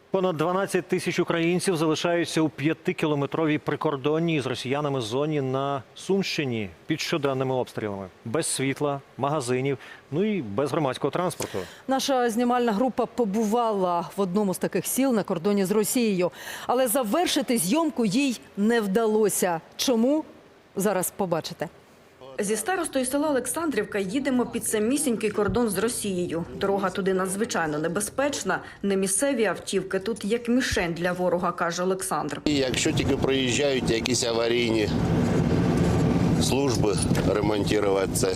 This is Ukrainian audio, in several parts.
Понад 12 тисяч українців залишаються у 5-кілометровій прикордонній з росіянами зоні на Сумщині під щоденними обстрілами. Без світла, магазинів, і без громадського транспорту. Наша знімальна група побувала в одному з таких сіл на кордоні з Росією. Але завершити зйомку їй не вдалося. Чому? Зараз побачите. Зі старостою села Олександрівка їдемо під самісінький кордон з Росією. Дорога туди надзвичайно небезпечна. Не місцеві автівки, тут як мішень для ворога, каже Олександр. І якщо тільки проїжджають якісь аварійні служби ремонтувати це,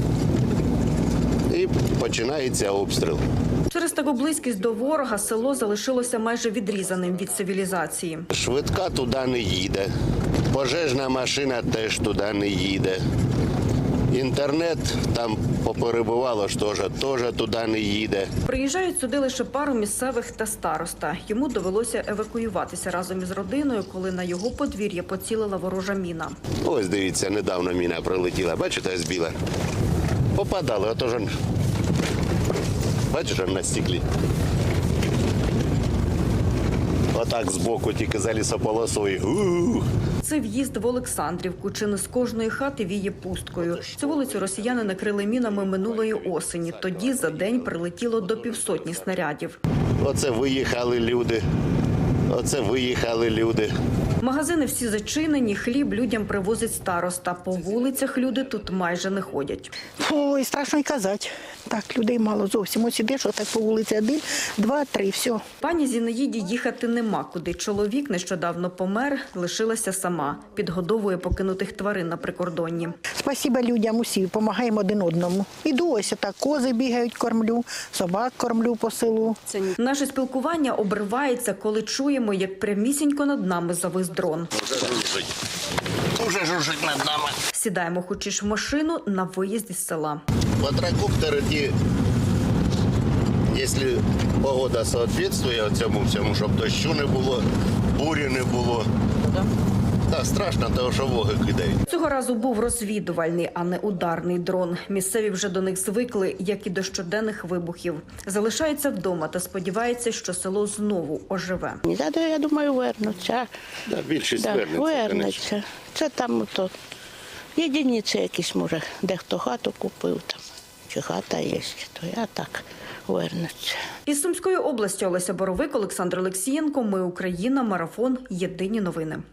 і починається обстріл. Через таку близькість до ворога село залишилося майже відрізаним від цивілізації. Швидка туди не їде, пожежна машина теж туди не їде. Інтернет там поперебувало ж теж туди не їде. Приїжджають сюди лише пару місцевих та староста. Йому довелося евакуюватися разом із родиною, коли на його подвір'я поцілила ворожа міна. Ось дивіться, недавно міна прилетіла, бачите, ось біла. Попадали, отож, бачиш, на стеклі. Отак збоку, тільки за лісополосою. Це в'їзд в Олександрівку. Чи не з кожної хати віє пусткою. Цю вулицю росіяни накрили мінами минулої осені. Тоді за день прилетіло до 500 снарядів. Оце виїхали люди. Магазини всі зачинені, хліб людям привозить староста. По вулицях люди тут майже не ходять. Ой, страшно й казати. Так, людей мало зовсім. Ось ідеш, отак по вулиці 1, 2, 3, все. Пані Зінаїді їхати нема куди. Чоловік нещодавно помер, лишилася сама. Підгодовує покинутих тварин на прикордонні. Спасибо людям усім, допомагаємо один одному. Іду ось так, кози бігають, кормлю, собак кормлю по селу. Наше спілкування обривається, коли чуємо, як прямісінько над нами завис дрон. Уже жужжить над нами. Сідаємо хочеш в машину на виїзді з села. Квадрокоптери ті, якщо погода відповідає цьому всьому, щоб дощу не було, бурі не було. Так, страшно, тому що воги кидають. Цього разу був розвідувальний, а не ударний дрон. Місцеві вже до них звикли, як і до щоденних вибухів. Залишаються вдома та сподіваються, що село знову оживе. Я думаю, вернуться. Да, більшість Вернуться. Це там то єдиниці якісь, може, дехто хату купив там, чи хата є, то я так вернуться. Із Сумської області Олеся Боровик, Олександр Олексієнко. Ми Україна. Марафон. Єдині новини.